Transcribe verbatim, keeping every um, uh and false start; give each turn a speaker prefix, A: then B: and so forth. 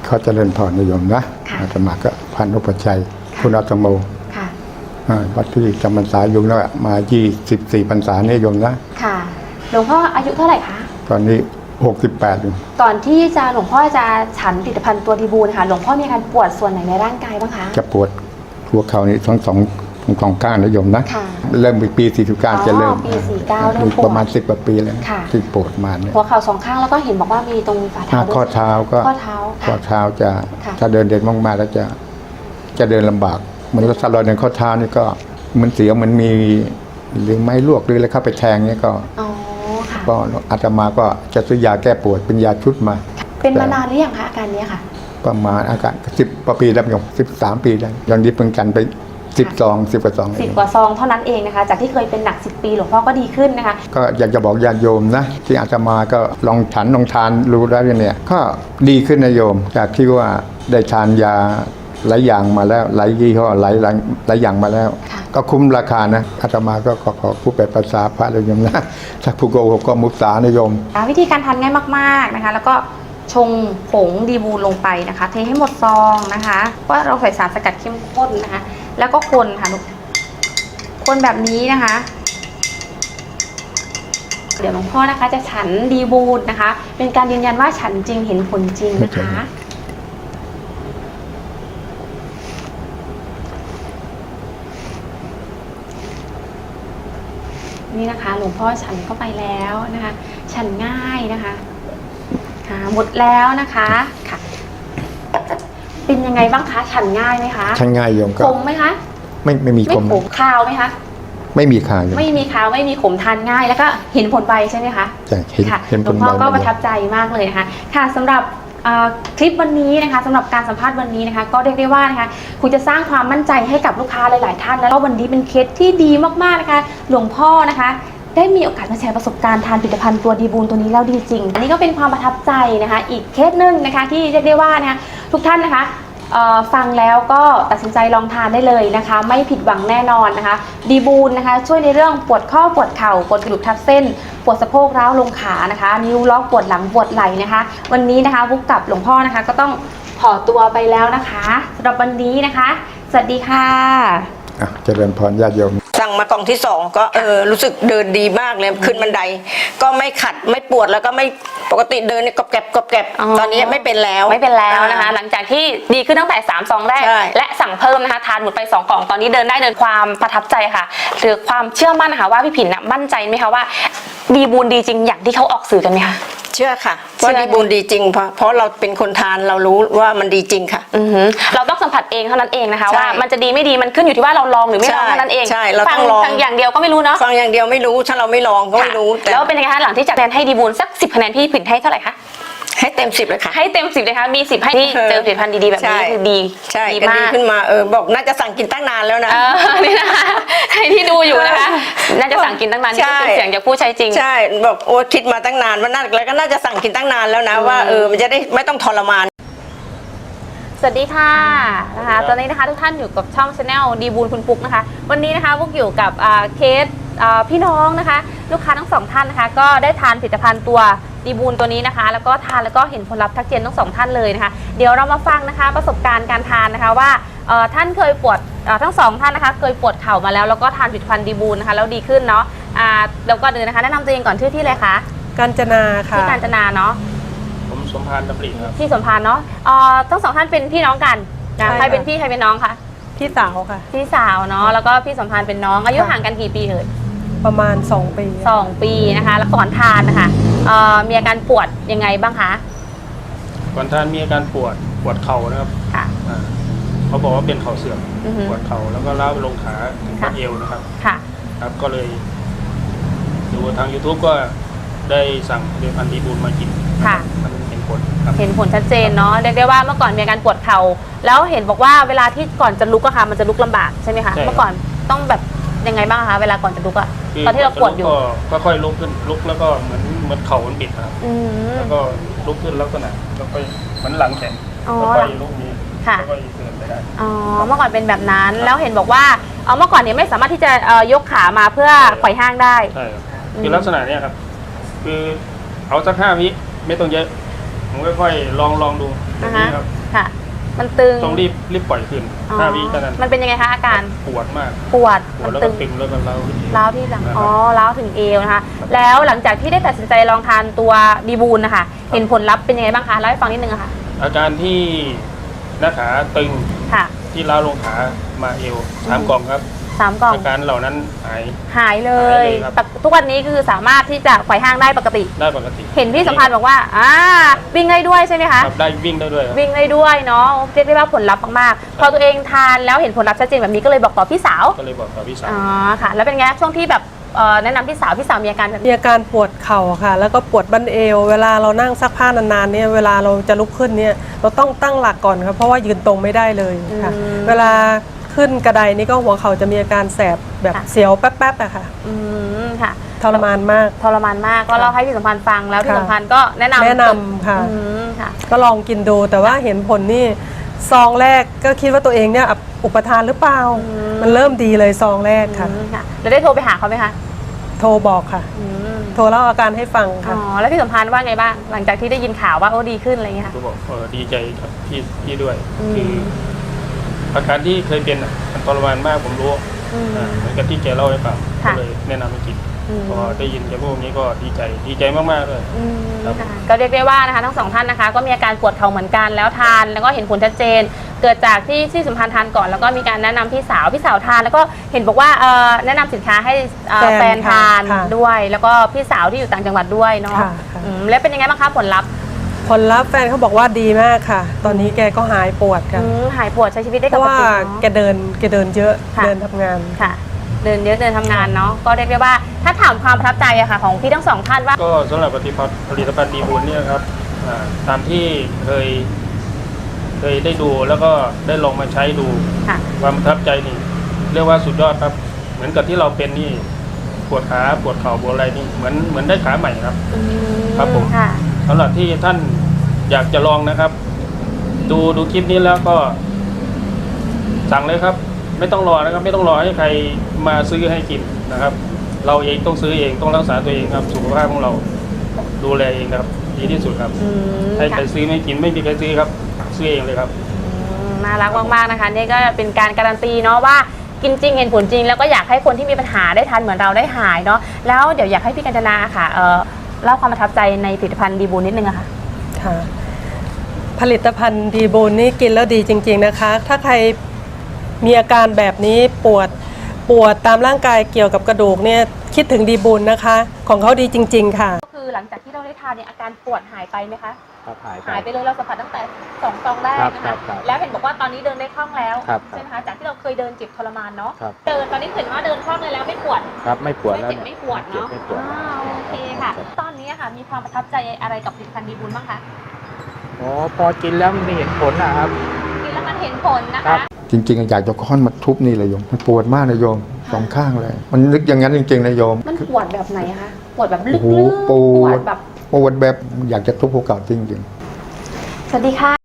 A: เขาเจริญพรนิยมนะอาตมาก็พันอุปชัยคุณอาตโมวัดที่จำพรรษาอยู่แล้วมายี่สิบสี่พรรษานิยมนะ
B: ค่ะหลวงพ่ออายุเท่าไหร่คะ
A: ตอนนี้หกสิบแปดอยู่
B: ก่อนที่จะหลวงพ่อจะฉันผลิตภัณฑ์ตัวดีบูลค่ะหลวงพ่อมีอาการปวดส่วนไหนในร่างกายบ้างคะ
A: จะปวดหัวเข่านี่ทั้งสองทั้งสองก้านนิยมนะเริ่มปีสี่สิบเก้าจะเริ่ม
B: ปีสี่เก้าเริ่มปวด
A: ประมาณสิบกว่าปีแล้วที่ปวดมาเนี่ย
B: หัวเข่าสองข้างแล้วก็เห็นบอกว่ามีตรงฝ่าเท้า
A: ข้อเท้าก็
B: ข้อเท้า
A: ข้อเท้าจะถ้าเดินเด่นมากๆแล้วจะจะเดินลำบากเหมือนรถสลอยในข้อเท้านี่ก็มันเสียวมันมีหรือไม้ลวกหรืออะไรเข้าไปแทงเนี่ยก็ก็อาตมาก็จะซื้อยาแก้ปวดเป็นยาชุดมา
B: เป็นมานานหรือยังคะอาการนี้ค่ะ
A: ประมาณอาการสิบปีแล้วโยมสิบสามปีแล้วยังนี้เพิ่งกันไปสิบซองสิบกว่าซอง
B: สิบกว่าซองเท่านั้นเองนะคะจากที่เคยเป็นหนักสิบปีหลวงพ่อก็ดีขึ้นนะคะ
A: ก็อยากจะบอกญาติโยมนะที่อาตมาก็ลองฉันลองทานรู้แล้วเนี่ยก็ดีขึ้นนะโยมจากที่ว่าได้ทานยาหลายอย่างมาแล้วหลายยี่ห้อหลายหลายอย่างมาแล้วก็คุ้มราคานะอาตมาก็ขอขอผู้แปลภาษาพระเลยโยมนะถ้าผู้โกหกก็มุสานะโยม
B: วิธีการทานง่ายมากๆนะคะแล้วก็ชงผงดีบูลลงไปนะคะเทให้หมดซองนะคะว่าเราใส่สารสกัดเข้มข้นนะคะแล้วก็คนค่ะคนแบบนี้นะคะเดี๋ยวหลวงพ่อนะคะจะฉันดีบูลนะคะเป็นการยืนยันว่าฉันจริงเห็นผลจริงนะคะนี่นะคะหลวงพ่อฉันเข้าไปแล้วนะคะฉันง่ายนะคะค่ะหมดแล้วนะคะค่ะเป็นยังไงบ้างคะฉันง่ายไหมคะ
A: ฉันง่ายโยมก็
B: ขมไหมคะ
A: ไม่ไม่มีขม
B: ไม่ขมคาวไหมคะ
A: ไม่มีคาว
B: ไม่มีคาวไม่มีขมทานง่ายแล้วก็เห็นผลไวใช่ไหมคะ
A: ใช่เห็นผลไว
B: หลวงพ่อก็ประทับใจมากเลยนะคะค่ะสำหรับคลิปวันนี้นะคะสำหรับการสัมภาษณ์วันนี้นะคะก็เรียกได้ว่านะคะคุณจะสร้างความมั่นใจให้กับลูกค้าหลายๆท่านแล้ววันนี้เป็นเคสที่ดีมากๆนะคะหลวงพ่อนะคะได้มีโอกาสมาแชร์ประสบการณ์ทานผลิตภัณฑ์ตัวดีบูลตัวนี้แล้วดีจริงอันนี้ก็เป็นความประทับใจนะคะอีกเคสหนึ่งนะคะที่เรียกได้ว่านะคะทุกท่านนะคะฟังแล้วก็ตัดสินใจลองทานได้เลยนะคะไม่ผิดหวังแน่นอนนะคะดีบูลนะคะช่วยในเรื่องปวดข้อปวดเข่าปวดกระดูกทับเส้นปวดสะโพกร้าวลงขานะคะนิ้วล็อกปวดหลังปวดไหล่นะคะวันนี้นะคะวุกกับหลวงพ่อนะคะก็ต้องขอตัวไปแล้วนะคะสำหรับวันนี้นะคะสวัสดีค่ะ
A: เจริญพรญาติโยม
C: สั่งมากล่องที่สองก็เออรู้สึกเดินดีมากเลยขึ้นบันไดก็ไม่ขัดไม่ปวดแล้วก็ไม่ปกติเดินเนี่ยกรอบแกรบกรอบแกรบตอนนี้ไม่เป็นแล้ว
B: ไม่เป็นแล้วนะคะหลังจากที่ดีขึ้นตั้งแต่สามซองแรกและสั่งเพิ่มนะคะทานหมดไปสองกล่องตอนนี้เดินได้เดินความประทับใจค่ะหรือความเชื่อมั่นนะคะว่าพี่ผินมั่นใจไหมคะว่าดีบูลดีจริงอย่างที่เขาออกสื่อกันไหมคะ
C: เชื่อค่ะว่าดีบูลดีจริงเพราะเพราะเราเป็นคนทานเรารู้ว่ามันดีจริงค่ะ
B: เราต้องสัมผัสเองเท่านั้นเองนะคะว่ามันจะดีไม่ดีมันขึ้นอยู่ที่ว่าเราลองหรือไม่ลองเท่านั้นเอง
C: ใช่เราต้องลอง
B: ฟังอย่างเดียวก็ไม่รู้เนาะ
C: ฟังอย่างเดียวไม่รู้ถ้าเราไม่ลองก็ไม่รู้
B: แล้วเป็นยังไงคะหลังที่จากคะแนนให้ดีบูลสักสิบคะแนนพี่ผินให้เท่าไหร่คะ
C: ให้เต็มสิบเลยค่ะ
B: ให้เต็มสิบเลยค่ะมีสิบให้ที่เจอผลิตภัณฑ์ดีๆแบบนี้คือดี
C: ใช่ดีมากขึ้นมาเออบอกน่าจะสั่งกินตั้งนานแล้วนะ
B: นี่นะคะใครที่ดูอยู่นะคะน่าจะสั่งกินตั้งนานนี่เป็นเสียงจากผู้ใช้จริง
C: ใช่บอกโอ้คิดมาตั้งนานว่าน่าแล้วก็น่าจะสั่งกินตั้งนานแล้วนะว่าเออมันจะได้ไม่ต้องทรมาน
B: สวัสดีค่ะนะคะตอนนี้นะคะทุกท่านอยู่กับช่อง Channel ดีบูลคุณปุ๊กนะคะวันนี้นะคะพวกอยู่กับเคสพี่น้องนะคะลูกค้าทั้งสองท่านนะคะก็ได้ทานผลิตภัณฑ์ตัวดีบูลตัวนี้นะคะแล้วก็ทานแล้วก็เห็นผลลัพธ์ทักเจนทั้งสองท่านเลยนะคะเดี๋ยวเรามาฟังนะคะประสบการณ์การทานนะคะว่าท่านเคยปวดทั้งสองท่านนะคะเคยปวดเข่ามาแล้วแล้วก็ทานผลิตภัณฑ์ดีบูลนะคะแล้วดีขึ้นเนาะแล้วก็เดินนะคะแนะนำตัวเองก่อนชื่อที่เลยคะ
D: กาญจนาค่ะ
B: ที่กาญจนาเนาะ
E: ผมสมพานดำริครับ
B: ที่สมพานเนาะทั้งสองท่านเป็นพี่น้องกันใครเป็นพี่ใครเป็นน้องคะ
D: พี่สาวค่ะ
B: พี่สาวเนาะแล้วก็พี่สมพานเป็นน้องอายุห่างกันกี่ปีเอ่ย
D: ประมาณสองปี
B: สองปีนะคะแล้วก่อนทานนะคะมีอาการปวดยังไงบ้างคะ
E: ก่อนทานมีอาการปวดปวดเข่านะครับค่ะเขาบอกว่าเป็นเข่าเสื่อมปวดเข่าแล้วก็ล้าวไปลงขาถึงข้อเอวนะครับค่ะครับก็เลยดูทาง ยูทูบ ก็ได้สั่งผลิตภัณฑ์ดีบูลมากินค่ะมันเห็นผลครับ
B: เห็นผลชัดเจนเนาะเรียกได้ว่าเมื่อก่อนมีอาการปวดเข่าแล้วเห็นบอกว่าเวลาที่ก่อนจะลุกอะค่ะมันจะลุกลำบากใช่ไหมคะเมื่อก่อนต้องแบบยังไงบ้างคะเวลาก่อนจะลุกอะตอนที่เราปวดอยู่
E: ก็ค่อยลุกขึ้นลุกแล้วก็เหมือนเหมือนเข่ามันบิดครับแล้วก็ลุกขึ้นลักษณะแล้วก็เหมือนหลังแข็งแล้วก็ลุกนี้
B: ค่ะแล้วก็เดินไปได้อ๋อเมื่อก่อนเป็นแบบนั้นแล้วเห็นบอกว่าเอาเมื่อก่อนเนี่ยไม่สามารถที่จะยกขามาเพื่อไขว่ห้างได้
E: ใช่คือลักษณะเนี้ยครับคือเอาสักห้าวิไม่ต้องเยอะผมค่อยๆลองลองดูนะครับ
B: ค่ะ มันตึง
E: ต้องรีบรีบปล่อยคืน
B: อ๋อ
E: ห้าวิเท่านั้น
B: มันเป็นยังไงคะอาการ
E: ปวดมาก
B: ปวด
E: ปว
B: มั
E: ด
B: น
E: แล้ว
B: ตึ
E: ก็
B: ง
E: ตึงแล้วมันเล้าขึ้นเอว
B: ร้าวที่หลัง
E: นะครับ
B: อ๋อร้าวถึงเอวนะคะ แล้วหลังจากที่ได้ตัดสินใจลองทานตัวดีบูลนะคะเห็นผลลัพธ์เป็นยังไงบ้างคะเล่าให้ฟังนิดนึงอะค่ะ
E: อาการที่หน้าขาตึง
B: ค่ะ
E: ที่ล้าวลงขามาเอวสามกล่องครับ
B: สามกล่อง
E: อาการเหล่านั้นหาย
B: หายเล
E: หาย
B: ย
E: เลยครับ
B: แต่ทุกวันนี้คือสามารถที่จะไขว่ห้างได้ปกติ
E: ได้ปกติ
B: เห็นพี่สัมพันธ์บอกว่าอ่าวิ่งได้ด้วยใช่ไหมคะ
E: ครับได้วิ่งได้ด้วยครับ
B: วิ่งได้ด้วยเนาะเรียกได้ว่าผลลัพธ์มากๆพอตัวเองทานแล้วเห็นผลลัพธ์ชัดเจนแบบนี้ก็เลยบอกต่อพี่สาว
E: ก็เลยบอกกับพี่สาว
B: อ๋อค่ะ แล้วเป็นไงช่วงที่แบบเอ่อแนะนำพี่สาวพี่สาวมีอาการแบบ
D: มี
B: นี้
D: อาการปวดเข่าค่ะ แล้วก็ปวดบั้นเอว เวลาเรานั่งซักผ้านานๆเนี่ยเวลาเราจะลุกขึ้นเนี่ยเราต้องตั้งหลักก่อนครับเพราะว่ายืนตรงไม่ได้เลยค่ะ เวลาขึ้นกระไดนี่ก็หัวเข่าจะมีอาการแสบแบบเสียวแป๊บๆอะค่ะ
B: อืมค่ะ
D: ทรมานมาก
B: ทรมานมากก็เล่าให้พี่สัมพันธ์ฟังแล้วพี่
D: ค่ะ
B: สัมพันธ์ก็แนะนำ
D: แนะนำค่ะ
B: อืมค่ะ
D: ก็ลองกินดูแต่ว่าเห็นผลนี่ซองแรกก็คิดว่าตัวเองเนี่ยอุปทานหรือเปล่า
B: อืม
D: มันเริ่มดีเลยซองแรกค่ะ
B: อืมค่ะแล้วได้โทรไปหาเขาไหมคะ
D: โทรบอกค่ะ
B: อืม
D: โทรเล่าอาการให้ฟัง
B: อ๋
D: ค่ะ
B: อแล้วพี่สัมพันธ์ว่าไงบ้างหลังจากที่ได้ยินข่าวว่าโอ้ดีขึ้นอะไรอย่างเงี้ยค่ะ
E: ก็บอกเออดีใจกับพี่พี่ด้วย
B: อืม
E: คืออาการที่เคยเป็นอ่ะมันทรมานมากผมรู้
B: อืม
E: อ่าเหมือนกับที่แกเล่าให้ฟังก็
B: ค่ะ
E: เลยแนะนำให้กิน
B: อืม
E: พอได้ยินแกพูดอย่างนี้ก็ดีใจดีใจมากๆเลย
B: อืม
E: ครับ
B: ค่ะก็เรียกได้ว่านะคะทั้งสองท่านนะคะ ก็มีอาการปวดเข่าเหมือนกันแล้วทานแล้วก็เห็นผลชัดเจน เกิดจากที่ที่สัมพันธ์ทานก่อนแล้วก็มีการแนะนำพี่สาวพี่สาวทาน แล้วก็เห็นบอกว่าเอ่อแนะนำสินค้าให้เอ่อ
D: แฟ
B: แฟ
D: น
B: นทาน
D: ค่ะ
B: ด้วย แล้วก็พี่สาวที่อยู่ต่างจังหวัดด้วยเนาะ
D: ค่ะค่ะ
B: อืมแล้วเป็นยังไงบ้างคะผลลัพธ์
D: ผลลัพธ์แฟนเขาบอกว่าดีมากค่ะ ตอนนี้แกก็หายปวดค่ะ
B: อืมหายปวดใช้ชีวิตได้
D: เพ
B: ป
D: ราะ
B: ก
D: ว่า
B: ติ
D: แก
B: เนาะ
D: เดินแกเดินเยอะ
B: ค่ะ
D: เดินทำงาน
B: ค่ะ เดินเยอะเดินทำงานเนาะก็เรียกได้ว่าถ้าถามความประทับใจอะค่ะของพี่ทั้งสองท่านว่า
E: ก็สำหรับผลิตภัณฑ์ผลิตภัณฑ์ดีบุญเนี่ยครับอ่าตามที่เคย เคยได้ดูแล้วก็ได้ลองมาใช้ดู
B: ค่ะ
E: ความประทับใจนี่เรียกว่าสุดยอดครับ เหมือนกับที่เราเป็นนี่ปวดขาปวดเข่าปวดอะไรนี่เหมือนเหมือนได้ขาใหม่ครับ
B: อืม
E: ครับผม
B: ค่ะ
E: สำหรับที่ท่านอยากจะลองนะครับ ดูดูคลิปนี้แล้วก็ สั่งเลยครับ ไม่ต้องรอนะครับ ไม่ต้องรอให้ใครมาซื้อให้กินนะครับ เราเองต้องซื้อเองต้องรักษาตัวเองครับ สุขภาพของเราดูแลเองครับ ดีที่สุดครับ
B: อืม
E: ให้ใคร
B: ค่ะ
E: ซื้อไม่กินไม่มีใครซื้อครับ ซื้อเองเลยครับ
B: อืมน่ารักมากๆนะคะนี่ก็เป็นการการันตีเนาะว่ากินจริงเห็นผลจริง แล้วก็อยากให้คนที่มีปัญหาได้ทานเหมือนเราได้หายเนาะแล้วเดี๋ยวอยากให้พี่กัญจนาค่ะเอ่อเล่าความประทับใจในผลิตภัณฑ์ดีบูนิดนึงอะค่ะ
D: ค่ะ ผลิตภัณฑ์ดีบูนนี่กินแล้วดีจริง ๆนะคะ ถ้าใครมีอาการแบบนี้ปวดปวดตามร่างกายเกี่ยวกับกระดูกเนี่ยคิดถึงดีบูนนะคะ ของเขาดีจริง ๆ ค่ะ
B: ก็คือหลังจากที่เราได้ทานเนี่ยอาการปวดหายไปไหมคะ
F: ครับหายไป
B: หายไปเลยเราสัมผัสตั้งแต่สองซองแรก
F: ครับ
B: นะ
F: ครั
B: คะ
F: บครับ
B: แล้วเห็นบอกว่าตอนนี้เดินได้คล่องแล้ว
F: ครับ
B: ใช่ไหมคะจากที่เราเคยเดินเจ็บทรมานเนาะ
F: ครับ
B: เดินตอนนี้เห็นว่าเดินคล่องเลยแล้วไม่ปวด
F: ครับไม่ปวด
B: ไม่
F: แล้ว
B: เจ็บ
F: เนี่ย
B: ไม่ปวด
F: เจ็บ
B: เนาะ
F: ไม่ปวด
B: อ่าโอเคค่ะ ตอนนี้ค่ะมีความประทับใจอะไรกับผลิตภัณฑ์ดีบูลบ้างคะ
F: อ๋อพอกินแล้วมันเห็นผลนะครับ
B: กินแล้วมันเห็นผลนะ
F: ครั
B: คะ
F: บ
A: จริงๆอยากจะค้อนมาทุบนี่เลยโยม มันปวดมากนะโยมสองข้างเลย มันนึกอย่างนั้นจริงๆนะโยม
B: มันปวดแบบไหนคะปวดแบบลึ
A: โอ้
B: ก
A: โห
B: ๆ
A: ปวด
B: แบบ
A: ปวดแบบอยากจะทุบภูเขาจริงๆ
B: สวัสดีค่ะ